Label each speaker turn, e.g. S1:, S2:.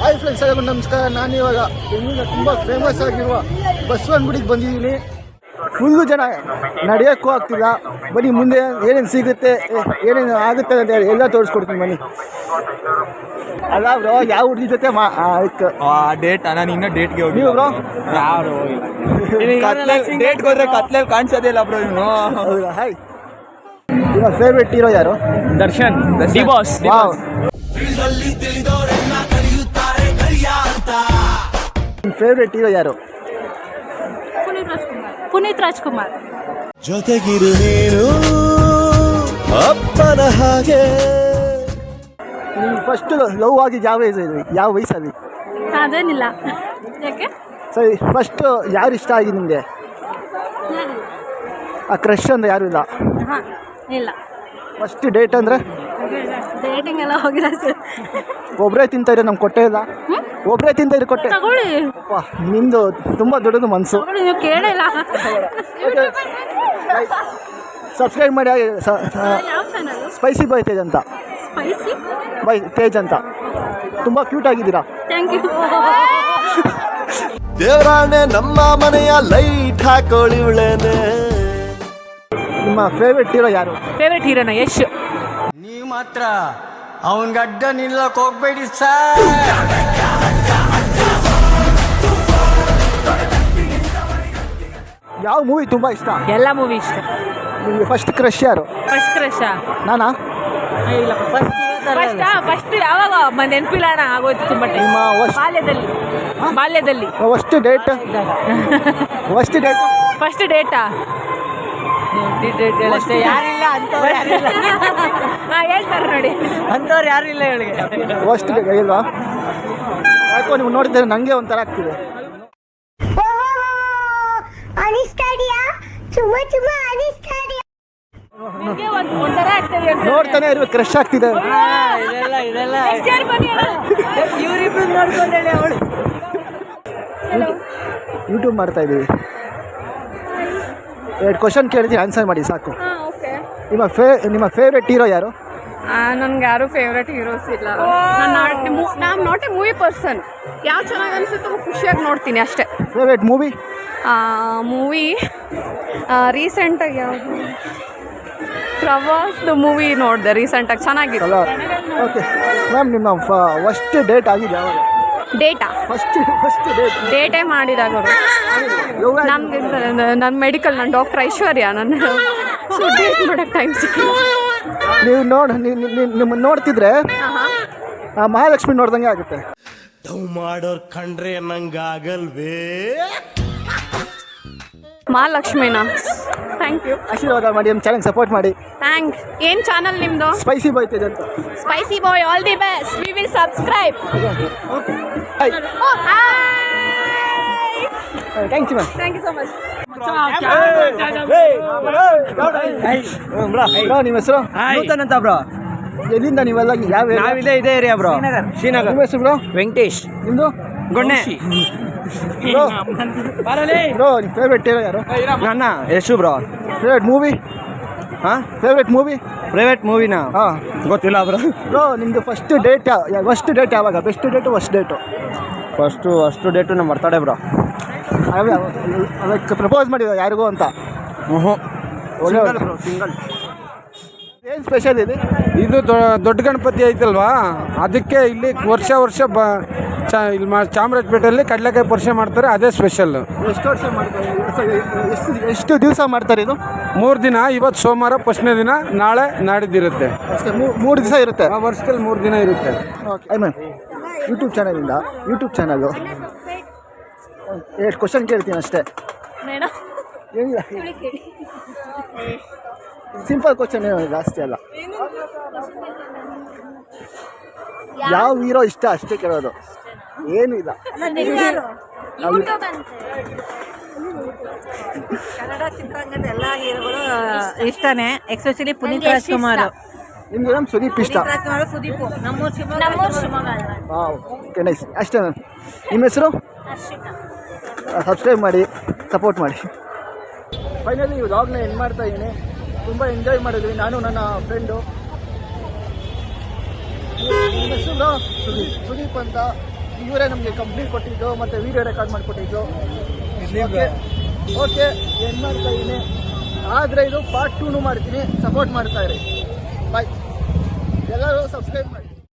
S1: Hi friends, ಎಲ್ಲರಿಗೂ ನಮಸ್ಕಾರ. ನಾನಿವಾಗ ಬೆಂಗಳೂರಿನ ತುಂಬ ಫೇಮಸ್ ಆಗಿರುವ ಬಸವನಗುಡಿಗೆ ಬಂದಿದ್ದೀನಿ. ಫುಲ್ಲು ಜನ, ನಡೆಯೋಕ್ಕೂ ಆಗ್ತಿಲ್ಲ. ಬನ್ನಿ ಮುಂದೆ ಏನೇನು ಸಿಗುತ್ತೆ, ಏನೇನು ಆಗುತ್ತೆ ಅಂತ ಹೇಳಿ ಎಲ್ಲ ತೋರಿಸ್ಕೊಡ್ತೀನಿ ಬನ್ನಿ. ಅಲ್ಲ ಬ್ರೋ, ಯಾವ ಹುಡುಗಿ ಜೊತೆ
S2: ಡೇಟ್ ನಾನು ಇನ್ನೂ ಡೇಟ್ಗೆ ಹೋಗಿ
S1: ನೀವು ಬ್ರೋ
S2: ಯಾರು ಡೇಟ್ಗೆ ಹೋದ್ರೆ ಕತ್ಲಲ್ಲಿ ಕಾಣಿಸೋದೇ ಇಲ್ಲ ಬ್ರೋ ಇವನು.
S1: ಹೌದಾ? ಹಾಯ್, ನಿಮ್ಮ ಫೇವ್ರೆಟ್ ಹೀರೋ ಯಾರು?
S2: Darshan, the boss.
S1: ವಾವ್. ನಿಮ್ಮ ಫೇವ್ರೆಟ್ ಹೀರೋ ಯಾರು?
S3: ಪುನೀತ್ ರಾಜ್ಕುಮಾರ್.
S4: ಜೊತೆಗಿರು ನೀನು ಅಪ್ಪನ ಹಾಗೆ.
S1: ನಿಮ್ಗೆ ಫಸ್ಟ್ ಲವ್ ಆಗಿದ್ದು ಯಾವ ವಯಸ್ಸಲ್ಲಿ?
S3: ಅದೇನಿಲ್ಲ. ಯಾಕೆ?
S1: ಸರಿ, ಫಸ್ಟ್ ಯಾರು ಇಷ್ಟ ಆಗಿ ನಿಮಗೆ? ಆ ಕ್ರಶ್ ಅಂದರೆ ಯಾರು ಇಲ್ಲ?
S3: ಹಾಂ, ಇಲ್ಲ.
S1: ಫಸ್ಟ್ ಡೇಟ್ ಅಂದರೆ?
S3: ಡೇಟಿಂಗ್ ಎಲ್ಲ ಹೋಗಿಲ್ಲ ಸರ್.
S1: ಒಬ್ಬರೇ ತಿಂತಾಯಿದ್ರೆ ನಮ್ಗೆ ಕೊಟ್ಟೇ ಇಲ್ಲ. ಒಬ್ಬರೇ ತಿಂತಾಯಿದ್ರೆ ಕೊಟ್ಟೆ.
S3: ತಗೊಳ್ಳಿ,
S1: ನಿಮ್ಮದು ತುಂಬ ದೊಡ್ಡದು ಮನಸ್ಸು.
S3: ನೀವು ಕೇಳಿಲ್ಲ.
S1: ಸಬ್ಸ್ಕ್ರೈಬ್ ಮಾಡಿ.
S3: ಯಾವ ಚಾನಲ್?
S1: ಸ್ಪೈಸಿ ಬಾಯ್ ತೇಜ್ ಅಂತ.
S3: ಸ್ಪೈಸಿ
S1: ಬಾಯ್ ತೇಜ್ ಅಂತ. ತುಂಬ ಕ್ಯೂಟ್ ಆಗಿದ್ದೀರಾ.
S3: Thank you.
S4: ದೇವರಾಣೆ ನಮ್ಮ ಮನೆಯ ಲೈಟ್ ಹಾಕೊಳ್ಳಿವಳೇನೆ.
S1: ನಿಮ್ಮ ಫೇವ್ರೆಟ್ ಹೀರೋ ಯಾರು?
S5: ಫೇವ್ರೆಟ್ ಹೀರೋನ ಯಶ್.
S6: ನೀವು ಮಾತ್ರ ಅವನ್ ಗಡ್ಡ ನಿಲ್ಲಕ್ ಹೋಗ್ಬೇಡಿ ಸರ್.
S1: ಯಾವ ಮೂವಿ ತುಂಬ ಇಷ್ಟ?
S5: ಎಲ್ಲ ಮೂವಿ ಇಷ್ಟ.
S1: ನಿಮಗೆ ಫಸ್ಟ್ ಕ್ರಶ್ ಯಾರು?
S5: ಫಸ್ಟ್ ಕ್ರಶ್
S1: ನಾನಾ?
S5: ಇಲ್ಲ, ಫಸ್ಟ್ ಯಾವಾಗ ನೆನಪಿಲ್ಲ ಅಣ್ಣ, ಆಗೋಯ್ತು ತುಂಬ ಟೈಮ್.
S1: ನಿಮ್ಮ
S5: ಬಾಲ್ಯದಲ್ಲಿ
S1: ಫಸ್ಟ್ ಡೇಟ್?
S5: ಫಸ್ಟ್ ಡೇಟಾ ಯಾರಿಲ್ಲ ಅಂತವ್ರು, ಯಾರಿಲ್ಲ ಹೇಳ್ತಾರೆ ನೋಡಿ, ಅಂತವ್ರು ಯಾರಿಲ್ಲ ಇವಳಿಗೆ.
S1: ಫಸ್ಟ್ ಡೇಟ್ ಇಲ್ವಾ? ಯಾಕೋ ನೀವು ನೋಡಿದ್ರೆ ನನಗೆ ಒಂಥರ ಆಗ್ತಿದೆ.
S5: ಒಂಥರ ಆಗ್ತದೆ,
S1: ನೋಡ್ತಾನೆ ಇರ್ಬೇಕು, ಕ್ರಶ್ ಆಗ್ತಿದೆ.
S5: ಇದೆಲ್ಲ ಇವ್ರಿಬ್ರು ನೋಡ್ಕೊಂಡೇಳಿ ಅವಳು.
S1: ಯೂಟ್ಯೂಬ್ ಮಾಡ್ತಾ ಇದ್ದೀವಿ. 2 ಕ್ವಶನ್ ಕೇಳ್ತೀನಿ, ಆನ್ಸರ್ ಮಾಡಿ ಸಾಕು. ನಿಮ್ಮ ಫೇವ್ರೆಟ್ ಹೀರೋ ಯಾರು?
S7: ನನ್ಗೆ ಯಾರು ಫೇವ್ರೆಟ್ ಹೀರೋಸ್ ಇಲ್ಲ. ನಾನು ನಾಟ್ ಎ ಮೂವಿ ಪರ್ಸನ್. ಯಾವ ಚೆನ್ನಾಗಿ ಅನಿಸುತ್ತೋ ಖುಷಿಯಾಗಿ ನೋಡ್ತೀನಿ ಅಷ್ಟೇ.
S1: Favourite movie?
S7: ಮೂವಿ ರೀಸೆಂಟಾಗಿ ಯಾವುದು? ಪ್ರವಾಸ್ದು ಮೂವಿ ನೋಡಿದೆ ರೀಸೆಂಟಾಗಿ, ಚೆನ್ನಾಗಿತ್ತು.
S1: ಓಕೆ ಮ್ಯಾಮ್, ನಿಮ್ಮ ಫಸ್ಟ್ ಡೇಟ್ ಆಗಿದೆ ಯಾವಾಗ?
S7: ಡೇಟಾ
S1: ಫಸ್ಟ್
S7: ಡೇಟೇ ಮಾಡಿದಾಗ ನಮ್ಗೆ ನನ್ನ ಮೆಡಿಕಲ್, ನನ್ನ ಡಾಕ್ಟರ್ ಐಶ್ವರ್ಯ. ಸೊ ಡೇಟ್ ಮಾಡೋಕ್ಕೆ ಟೈಮ್ ಸಿಕ್ಕಿಲ್ಲ.
S1: ನೀವು ನಿಮ್ಮನ್ನು ನೋಡ್ತಿದ್ರೆ ಮಹಾಲಕ್ಷ್ಮಿ ನೋಡ್ದಂಗೆ ಆಗುತ್ತೆ.
S4: ಲವ್ ಮಾಡೋರ್ ಕಂಡ್ರೆ ನಂಗಾಗಲ್ವೇ?
S7: ಮಹಾಲಕ್ಷ್ಮಿನಾ? Thank you.
S1: ಆಶೀರ್ವಾದ ಮಾಡಿ, ನಮ್ಮ ಚಾನಲ್ ಸಪೋರ್ಟ್ ಮಾಡಿ.
S7: ಥ್ಯಾಂಕ್ಸ್. ಏನು ಚಾನಲ್ ನಿಮ್ಮದು?
S1: ಸ್ಪೈಸಿ ಬಾಯ್ ತೇಜ್ ಅಂತ.
S7: Spicy boy, all the best. We will subscribe.
S1: Hi, thank you ma'am.
S7: Thank you so much.
S1: Bro, ನಿಮ್ಮ ಹೆಸರು?
S2: ನೂತನ್ ಅಂತ ಬ್ರೋ.
S1: ಎಲ್ಲಿಂದ ನೀವೆಲ್ಲ? ಯಾವ
S2: ನಾವಿದೆ ಇದೇ ಏರಿಯಾ ಬ್ರೋ, ಶ್ರೀನಗರ್.
S1: ನಿಮ್ಮ ಹೆಸರು ಬ್ರೋ?
S2: ವೆಂಕಟೇಶ್.
S1: ನಿಮ್ಮದು?
S2: ಗೊಣ್ಣೆ.
S1: ಬ್ರೋ, ನಿಮ್ಮ ಫೇವ್ರೆಟ್ ಹೀರೋ ಯಾರು?
S2: ನನ್ನ ಯಶು ಬ್ರೋ.
S1: Favourite movie?
S2: ಹಾಂ,
S1: ಫೇವ್ರೆಟ್ ಮೂವಿ?
S2: ಪ್ರೈವೇಟ್ ಮೂವಿನಾ?
S1: ಹಾಂ,
S2: ಗೊತ್ತಿಲ್ಲ ಬ್ರೋ.
S1: ಬ್ರೋ, ನಿಮ್ಮದು ಫಸ್ಟ್ ಡೇಟ್ ಯಾವಾಗ? Best date, first date?
S2: First date ನಮ್ಮ ಬರ್ತಡೇ ಬ್ರೋ.
S1: ಅದಕ್ಕೆ ಪ್ರಪೋಸ್ ಮಾಡಿದ ಯಾರಿಗೂ ಅಂತ? ಒಳ್ಳೆ
S2: ಸಿಂಗಲ್.
S1: ಏನು ಸ್ಪೆಷಲ್ ಇದೆ?
S8: ಇದು ದೊಡ್ಡ ಗಣಪತಿ ಐತಲ್ವಾ, ಅದಕ್ಕೆ ಇಲ್ಲಿ ವರ್ಷ ಇಲ್ಲಿ ಚಾಮರಾಜಪೇಟೆಯಲ್ಲಿ ಕಡಲೆಕಾಯಿ ಪರಿಷೆ ಮಾಡ್ತಾರೆ, ಅದೇ ಸ್ಪೆಷಲ್.
S1: ಎಷ್ಟು ವರ್ಷ ಮಾಡ್ತಾರೆ? ಎಷ್ಟು ದಿವಸ ಮಾಡ್ತಾರೆ ಇದು?
S8: 3 ದಿನ. ಇವತ್ತು ಸೋಮವಾರ ಫಸ್ಟ್ನೇ ದಿನ, ನಾಳೆ ನಾಡಿದ್ದಿರುತ್ತೆ
S1: ಅಷ್ಟೇ. 3 ದಿವಸ ಇರುತ್ತೆ
S8: ವರ್ಷದಲ್ಲಿ 3 ದಿನ ಇರುತ್ತೆ.
S1: Okay ma'am, YouTube channel 2 question ಕೇಳ್ತೀನಿ ಅಷ್ಟೇ.
S3: ಮೇಡಮ್,
S1: ಏನಿಲ್ಲ, ಸಿಂಪಲ್ ಕ್ವಶನ್, ಏನು ಜಾಸ್ತಿ ಅಲ್ಲ. ಯಾವ ಹೀರೋ ಇಷ್ಟ ಅಷ್ಟೇ ಕೇಳೋದು, ಏನೂ ಇಲ್ಲ.
S5: ಕನ್ನಡ ಚಿತ್ರರಂಗದ ಎಲ್ಲ ಹೀರೋಗಳು ಇಷ್ಟನೇ, ಎಸ್ಪೆಷಲಿ ಪುನೀತ್ ರಾಜ್ಕುಮಾರ್.
S1: ನಿಮ್ಗೆ ನಮ್ಮ ಸುದೀಪ್ ಇಷ್ಟ?
S5: ಸುದೀಪ್ ನಮ್ಮೂರು
S1: ಓಕೆ, ನೈಸ್. ಅಷ್ಟೇ ಮ್ಯಾಮ್. ನಿಮ್ಮ ಹೆಸರು? ಸಬ್ಸ್ಕ್ರೈಬ್ ಮಾಡಿ, ಸಪೋರ್ಟ್ ಮಾಡಿ. ಫೈನಲಿ ಈ ವ್ಲಾಗ್ನ ಎಂಡ್ ಮಾಡ್ತಾ ಇದ್ದೀನಿ. ತುಂಬ ಎಂಜಾಯ್ ಮಾಡಿದ್ವಿ ನಾನು, ನನ್ನ ಫ್ರೆಂಡು. ನಿಮ್ಮ ಹೆಸರು? ಸುದೀಪ್ ಅಂತ. ಇವರೇ ನಮಗೆ ಕಂಪ್ನಿ ಕೊಟ್ಟಿದ್ದು ಮತ್ತು ವಿಡಿಯೋ ರೆಕಾರ್ಡ್ ಮಾಡಿಕೊಟ್ಟಿದ್ದು. ಓಕೆ ಏನು ಮಾಡ್ತಾ ಇದ್ದೀನಿ, ಆದರೆ ಇದು ಪಾರ್ಟ್ 2 ಮಾಡ್ತೀನಿ. ಸಪೋರ್ಟ್ ಮಾಡ್ತಾ ಇರಿ. ಬಾಯ್. ಎಲ್ಲರೂ ಸಬ್ಸ್ಕ್ರೈಬ್ ಮಾಡಿ.